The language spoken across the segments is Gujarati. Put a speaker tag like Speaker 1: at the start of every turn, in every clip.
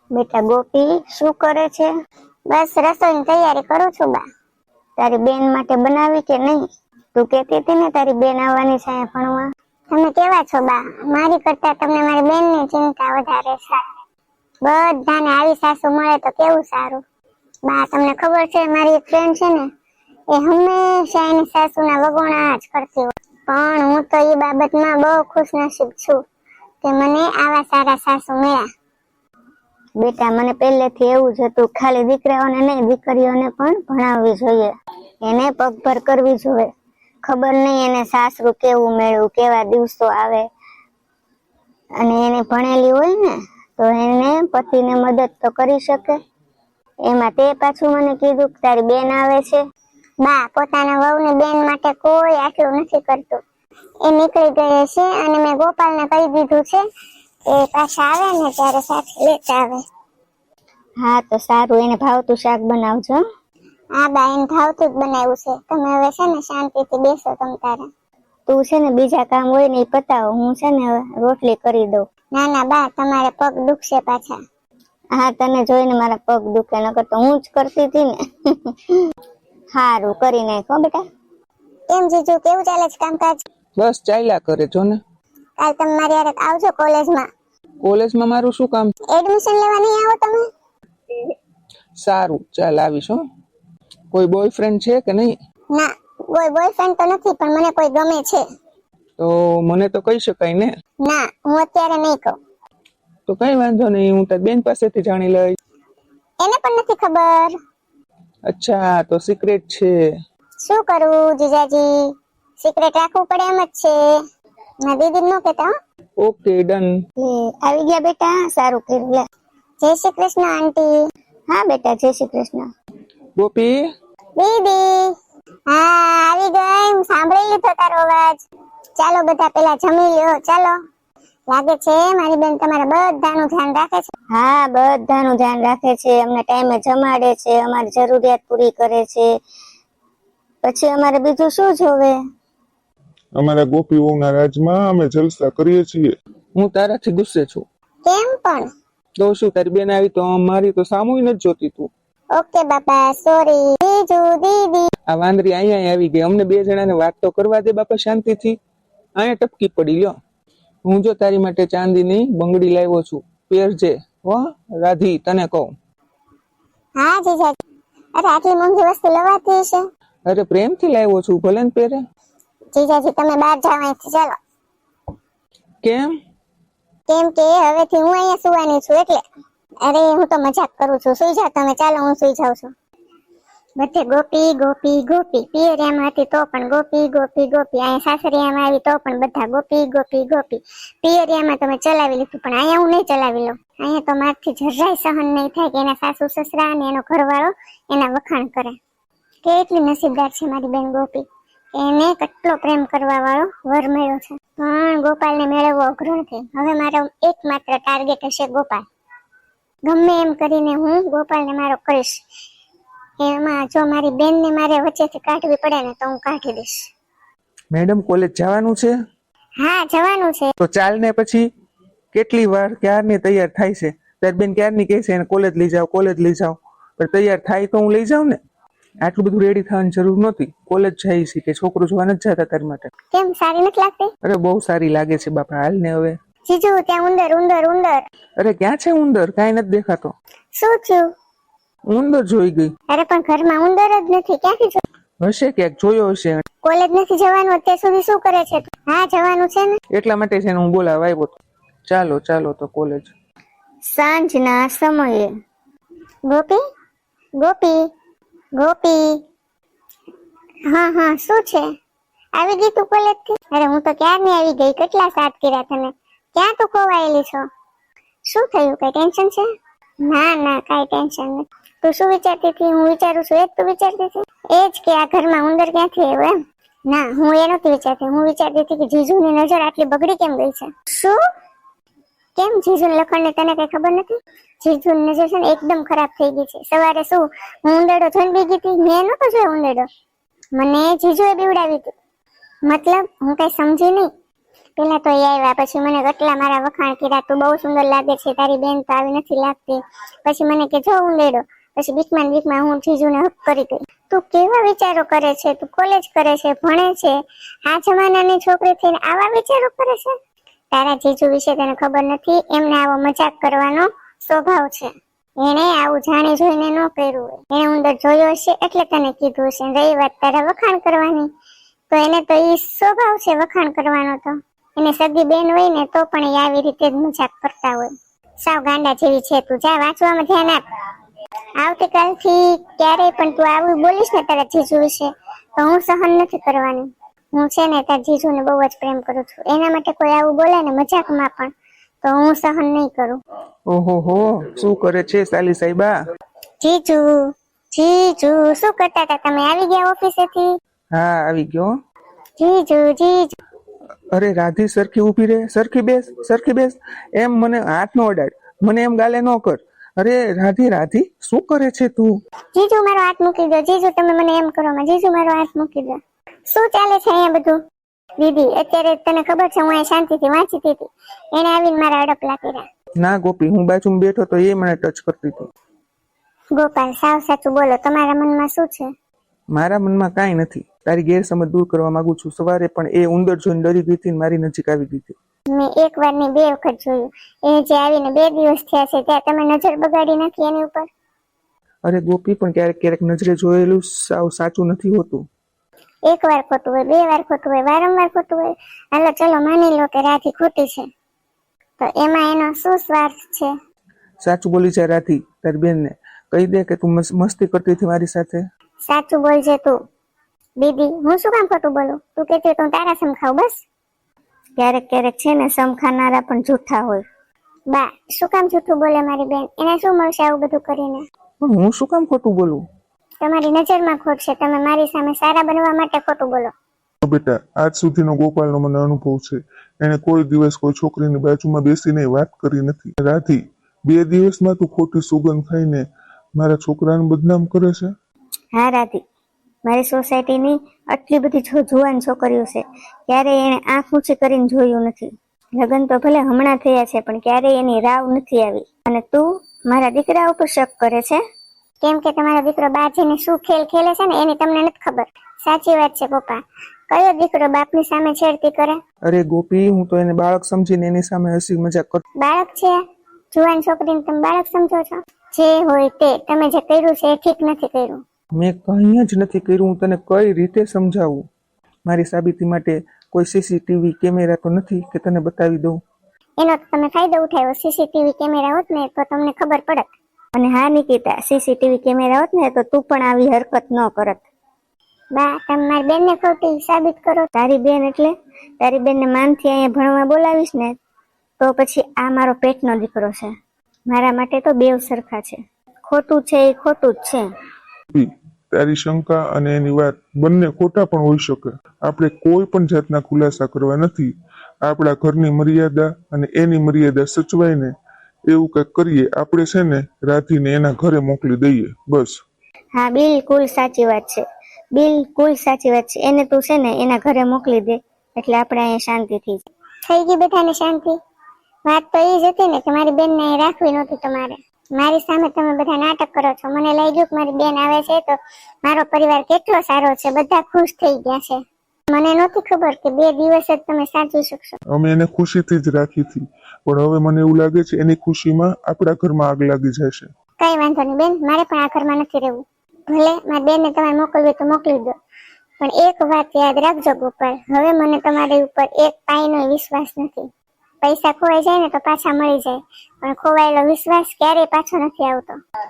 Speaker 1: બેટા ગોપી શું કરે છે? બસ રસોઈની તૈયારી કરું છું બા. તારી બેન માટે બનાવી કે નહીં? તું કહેતી હતી ને તારી બેન આવવાની છે અહીંયા ભણવા. તમે કેવા છો બા? મારી કરતા તમને મારી બેનની ચિંતા વધારે છે. બધાને આવી સાસુ મળે તો કેવું સારું. બા તમને ખબર છે મારી એક ફ્રેન્ડ છે ને એ હંમેશા એની સાસુના વગોણા જ કરતી હોય, પણ હું તો એ બાબતમાં બહુ ખુશનસીબ છું કે મને આવા સારા સાસુ મળ્યા. બેટા મને પહેલેથી એવું જ હતું, ખાલી દીકરાઓને નહીં દીકરીઓને પણ ભણાવવી જોઈએ, એને પગભર કરવી જોઈએ. ખબર નહીં એને સાસરું કેવું મેળવું, કેવા દિવસો આવે, અને એને ભણેલી હોય ને તો એને પતિને મદદ તો કરી શકે. એમાં તે પાછું મને કીધું કે તારી બેન આવે છે. બા પોતાના વહુની બેન માટે કોઈ આટલું નથી કરતું. એ નીકળી ગઈ છે અને મેં ગોપાલને કહી દીધું છે એ પાછા આવે ને ત્યારે સાથે લેતા આવે. હા તો સારું, એને ભાવતું શાક બનાવજો. હા બા એને ભાવતું જ બનાવ્યું છે. તમે હવે છે ને શાંતિથી બેસો તમ તારે. તું છે ને બીજા કામ હોય ને એ પતાવો, હું છે ને હવે રોટલી કરી દઉં. ના ના બા તમારે પગ દુખશે પાછા. હા તને જોઈને મારા પગ દુખે, નકર તો હું જ કરતી હતી ને. હારું કરી નાખો બેટા. કેમ જીજુ કેવું ચાલે છે કામકાજ?
Speaker 2: બસ ચાલ્યા કરે જો ને.
Speaker 1: કાલ તમે મારી હારે આવજો કોલેજમાં.
Speaker 2: કોલેજમાં મારું શું કામ?
Speaker 1: એડમિશન લેવા નહીં આવો તમે?
Speaker 2: સારું ચાલ આવીશ હો. કોઈ બોયફ્રેન્ડ છે કે નહીં?
Speaker 1: ના કોઈ બોયફ્રેન્ડ તો નથી, પણ મને કોઈ ગમે છે.
Speaker 2: તો મને તો કહી શકાય ને.
Speaker 1: ના હું અત્યારે નહીં કહું.
Speaker 2: તો કઈ વાંધો નહીં, હું તારી બેન પાસેથી જાણી લઈશ.
Speaker 1: એને પણ નથી ખબર.
Speaker 2: અચ્છા તો સિક્રેટ છે. શું
Speaker 1: કરું જીજાજી, સિક્રેટ રાખવું પડે એમ જ છે. ના દીદી નો કહેતા.
Speaker 2: Okay done.
Speaker 1: આવી ગયા બેટા, સારું કર્યું. લે જય શ્રી કૃષ્ણ આંટી. હા બેટા જય શ્રી કૃષ્ણ.
Speaker 2: ગોપી
Speaker 1: દીદી હા આવી ગઈ, હું સાંભળી લીધો તારો અવાજ. ચાલો બધા પેલા જમી લ્યો ચાલો. લાગે છે મારી બેન તમારા બધાનું ધ્યાન રાખે છે. હા બધાનું ધ્યાન રાખે છે, અમને ટાઈમે જમાડે છે, અમારી જરૂરિયાત પૂરી કરે છે, પછી અમારે બીજું શું જોવે.
Speaker 3: અમારા ગોપી વહુના રાજમાં અમે જલસા કરીએ છીએ.
Speaker 2: હું તારાથી ગુસ્સે છું.
Speaker 1: કેમ પણ?
Speaker 2: તો શું તારી બેન આવી તો મારી તો સામુય નથી જોતી તું.
Speaker 1: ઓકે બાપા સોરી. જીજુ દીદી
Speaker 2: આ વાંદરી અહીંયા આવી ગઈ, અમને બે જણાને વાત તો કરવા દે બાપા શાંતિથી. અહીંયા ટપકી પડી લ્યો. હું જો તારી માટે ચાંદીની બંગડી લાવ્યો છું, પહેરજે હો રાધી, તને કહું.
Speaker 1: હા જીજાજી. અરે આટલી મોંઘી વસ્તુ લવાતી છે?
Speaker 2: અરે પ્રેમથી લાવ્યો છું, ભલે ને પહેરે.
Speaker 1: જીજાજી તમે બહાર જાવ અહીંથી ચાલો.
Speaker 2: કેમ?
Speaker 1: કેમ કે હવેથી હું અહીંયા સુવાની છું એટલે. અરે હું તો મજાક કરું છું, સુઈ જાવ તમે. ચાલો હું સુઈ જાઉં છું. બધે ગોપી ગોપી ગોપી. પિયરિયામાં હતી તો પણ ગોપી ગોપી ગોપી. અહીંયા સાસરિયામાં આવી તો પણ બધા ગોપી ગોપી ગોપી. પિયરિયામાં તમે ચલાવી લીધું, પણ અહીંયા હું નહીં ચલાવી લઉં. અહીંયા તો મારથી જરાય સહન નહીં થાય કે એના સાસુ સસરા અને એનો ઘરવાળો એના વખાણ કરે. કેટલી નસીબદાર છે મારી બેન ગોપી, એને કેટલો પ્રેમ કરવા વાળો વર મળ્યો છે. પણ ગોપાલને મેળવવો અઘરો નથી. હવે મારો એકમાત્ર ટાર્ગેટ હશે ગોપાલ. ગમે એમ કરીને હું ગોપાલને મારો કરીશ. એમાં જો મારી બેનને મારે વચ્ચેથી કાઢવી પડે ને તો હું કાઢી દઈશ.
Speaker 2: મેડમ કોલેજ જવાનું છે?
Speaker 1: હા જવાનું છે.
Speaker 2: તો ચાલ ને પછી. કેટલી વાર ક્યારની તૈયાર થાય છે, તારી બેન ક્યારની કહે છે એને કોલેજ લઈ જાઓ કોલેજ લઈ જાઓ, પણ તૈયાર થાય તો હું લઈ જાઉં ને. આટલું બધું રેડી થવાની જરૂર નહોતી. કોલેજ જાય છે કે છોકરું જોવા નથી જતા તારી માટે?
Speaker 1: કેમ સારી નથી લાગતી?
Speaker 2: અરે બહુ સારી લાગે છે બાપા, હાલ ને હવે.
Speaker 1: જીજુ ત્યાં ઉંદર ઉંદર ઉંદર.
Speaker 2: અરે ક્યાં છે ઉંદર? કાંઈ નથી દેખાતો.
Speaker 1: શું થયું?
Speaker 2: ઉંદર જોઈ ગઈ.
Speaker 1: અરે પણ ઘરમાં ઉંદર જ નથી, ક્યાંથી જોયું?
Speaker 2: હશે ક્યાંક જોયો હશે.
Speaker 1: કોલેજ નથી જવાનું અત્યાર સુધી? શું કરે છે? હા જવાનું છે ને.
Speaker 2: એટલા માટે છે ને હું બોલાવા આવ્યો હતો. ચાલો ચાલો તો કોલેજ.
Speaker 1: સાંજના સમયે. ગોપી ગોપી ગોપી. હા હા શું છે? આવી ગઈ તું કોલેજ થી? અરે હું તો ક્યારની આવી ગઈ, કેટલા સાથ કર્યા તને. ક્યાં તું ખોવાયેલી છો? શું થયું, કઈ ટેન્શન છે? ના ના કઈ ટેન્શન નથી. તું શું વિચારતી હતી? હું વિચારું છું એ જ તું વિચારતી હતી? એ જ કે આ ઘરમાં ઉંદર ક્યાંથી આવ્યો એમ? ના હું એ નહોતી વિચારતી. હું વિચારતી હતી કે જીજુની નજર આટલી બગડી કેમ ગઈ છે. શું? કેમ જીજુની લખણને તને કઈ ખબર નથી? જીજુની નજર છે ને એકદમ ખરાબ થઈ ગઈ છે. સવારે શું હું ઉંદરડો જોઈને બીગી હતી? મેં નહોતો જોયો ઉંદરડો, મને જીજુએ બીવડાવી હતી. મતલબ હું કઈ સમજી નહીં. પેલા તો એ આવ્યા, પછી મને કેટલા મારા વખાણ કર્યા, તું બહુ સુંદર લાગે છે, તારી બેન તો આવી નથી લાગતી. પછી મને કે જો હું લેડો. પછી બીકમાં હું જીજુને હક કરી ગઈ. તું કેવા વિચારો કરે છે? તું કોલેજ કરે છે, ભણે છે, આ જમાનાની છોકરી થઈને આવા વિચારો કરે છે? તારા જીજુ વિશે તને ખબર નથી, એમને આવો મજાક કરવાનો સ્વભાવ છે. એને આવું જાણી જોઈને ન કર્યું હોય, એને અંદર જોયો હશે એટલે તને કીધું હશે. રહી વાત તારા વખાણ કરવાની, તો એને તો ઈ સ્વભાવ છે વખાણ કરવાનો. તો એને સગી બેન હોય ને તો પણ એ આવી રીતે જ મજાક કરતા હોય. સાવ ગાંડા જેવી છે તું. જા વાંચવામાં ધ્યાન આપ. આવતીકાલથી ક્યારેય પણ તું આવું બોલીશ ને તારા જીજુ વિશે તો હું સહન નથી કરવાની. હું છે ને તારા જીજુને બહુ જ પ્રેમ કરું છું, એના માટે કોઈ આવું બોલે ને મજાકમાં પણ તો હું સહન નહીં કરું.
Speaker 2: ઓહો હો, શું કરે છે સાલી સાહેબા?
Speaker 1: જીજુ જીજુ શું કરતા હતા તમે? આવી ગયા ઓફિસેથી?
Speaker 2: હા આવી ગયો.
Speaker 1: જીજુ જીજુ.
Speaker 2: અરે રાધી સરખી ઊભી રહે, સરખી બેસ. એમ મને હાથ નો અડાડ, મને એમ ગાલે ન કર. અરે રાધી શું કરે છે તું?
Speaker 1: જીજુ મારો હાથ મૂકી દો. જીજુ તમે મને એમ કરો માં. જીજુ મારો હાથ મૂકી દો. શું ચાલે છે અહીંયા બધું? દીદી અત્યારે તને ખબર છે હું અહીંયા શાંતિથી વાંચતી હતી, એને આવીને મારા અડપલા કર્યા.
Speaker 2: ના ગોપી, હું બાજુમાં બેઠો તો એ મને ટચ કરતી હતી.
Speaker 1: ગોપાલ સાવ સાચું બોલો, તમારા મનમાં શું છે?
Speaker 2: મારા મનમાં કાંઈ નથી. તારી ગેરસમજ દૂર કરવા માંગુ છું. સવારે પણ એ ઉંદર જોઈને ડરી ગઈ હતી, મારી નજીક આવી ગઈ હતી.
Speaker 1: મેં એક વાર ની 2 વખત જોયું. એ જે આવીને 2 દિવસ થયા છે ત્યાં તમે નજર બગાડી નથી એની ઉપર?
Speaker 2: અરે ગોપી, પણ ક્યારેક નજરે જોયેલું સાવ સાચું નથી હોતું.
Speaker 1: એક વાર ખોટું હોય, 2 વાર ખોટું હોય, વારંવાર ખોટું હોય. હાલો ચલો માની લો કે રાધી ખોટી છે, તો એમાં એનો શું સ્વાર્થ છે?
Speaker 2: સાચું બોલી છે રાધી. તારી બેનને કહી દે કે તું મસ્તી કરતી હતી મારી સાથે.
Speaker 1: સાચું બોલજે તું. દીદી હું શું કામ ખોટું બોલું? તું કહેતી તો તારા સમખાવ બસ. ક્યારેક છે ને સમખાનારા પણ જૂઠા હોય. બા શું કામ જૂઠું બોલે મારી બેન? એને શું મળશે આવું બધું કરીને?
Speaker 2: પણ હું શું કામ ખોટું બોલું?
Speaker 1: તમારી નજરમાં ખોટ છે, તમે મારી સામે સારા બનવા માટે ખોટું બોલો.
Speaker 3: બેટા, આજ સુધીનો ગોપાલનો મને અનુભવ છે. એને કોઈ દિવસ કોઈ છોકરીની બાજુમાં બેસીને વાત કરી નથી. રાધી, 2 દિવસમાં તું ખોટી સુગંધ ખાઈને મારા છોકરાને બદનામ કરે છે.
Speaker 1: હા રાધી, મારી સોસાયટીની આટલી બધી જુવાન છોકરીઓ છે, ક્યારેય એને આંખ ઊંચી કરીને જોયું નથી. લગ્ન તો ભલે હમણાં થયા છે પણ ક્યારેય એની રાવ નથી આવી. અને તું મારા દીકરા ઉપર શક કરે છે? કેમ કે તમારો દીકરો બહાર જઈને શું ખેલ ખેલે છે ને એની તમને નથી ખબર. સાચી વાત છે પપ્પા, કયો દીકરો બાપની સામે છેડતી કરે?
Speaker 2: અરે ગોપી, હું તો એને બાળક સમજીને એની સામે હસી મજાક કરતો.
Speaker 1: બાળક છે? જુવાન છોકરીને તમે બાળક સમજો છો? જે હોય તે, તમે જે કર્યું છે એ ઠીક નથી કર્યું.
Speaker 2: મેં કંઈ જ નથી કર્યું. હું તને કઈ રીતે સમજાવું? મારી સાબિતી માટે કોઈ સીસીટીવી કેમેરા તો નથી કે તને બતાવી દઉં?
Speaker 1: એનો તમે ફાયદો ઉઠાવ્યો. સીસીટીવી કેમેરા હોત ને તો તમને ખબર પડત. અને હા નિકિતા, સીસીટીવી કેમેરા હોત ને તો તું પણ આવી હરકત ન કરત. બા તમે મારી બેનને ખોટી સાબિત કરો. તારી બેન એટલે? તારી બેનને માનથી અહીંયા ભણવા બોલાવીશ ને તો પછી આ મારો પેટનો દીકરો છે. મારા માટે તો બેવ સરખા છે. ખોટું છે એ ખોટું જ છે.
Speaker 3: તારી શંકા અને એની વાત બંને ખોટા પણ હોઈ શકે. આપણે કોઈ પણ જાતના ખુલાસા કરવા નથી. આપણા ઘરની મર્યાદા અને એની મર્યાદા સચવાય ને એવું કંઈક કરીએ. આપણે છે ને રાધીને એના ઘરે મોકલી દઈએ બસ.
Speaker 1: હા બિલકુલ સાચી વાત છે, બિલકુલ સાચી વાત છે. એને તું છે ને એના ઘરે મોકલી દે એટલે આપણે અહીંયા શાંતિથી થઈ ગઈ. બધાને શાંતિ. વાત તો એ જ હતી ને કે મારી બેનને અહીં રાખવી નહોતી તમારે. મારી સામે તમે બધા નાટક કરો છો. મને લાગ્યું કે મારી બેન આવે છે તો મારો પરિવાર કેટલો સારો છે, બધા ખુશ થઈ ગયા છે. મને નહોતી ખબર કે 2 દિવસ જ તમે સાચવી શકશો.
Speaker 3: અમે એને ખુશીથી જ રાખી હતી, પણ હવે મને એવું લાગે છે એની ખુશીમાં આપણા ઘરમાં આગ લાગી જશે.
Speaker 1: કઈ વાંધો નહીં બેન, મારે પણ આ ઘરમાં નથી રહેવું. ભલે મારી બેનને તમારે મોકલવી તો મોકલી દો, પણ એક વાત યાદ રાખજો ગોપાલ, હવે મને તમારી ઉપર એક પાઈનો વિશ્વાસ નથી. પૈસા ખોવાઈ જાય ને તો પાછા મળી જાય, પણ ખોવાયેલો વિશ્વાસ ક્યારેય પાછો નથી આવતો.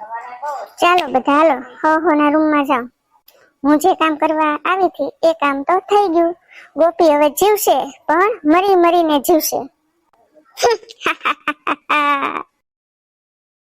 Speaker 1: ચાલો બધા હાલો, ના રૂમમાં જાઓ. હું જે કામ કરવા આવી હતી એ કામ તો થઈ ગયું. ગોપી હવે જીવશે, પણ મરી મરીને જીવશે.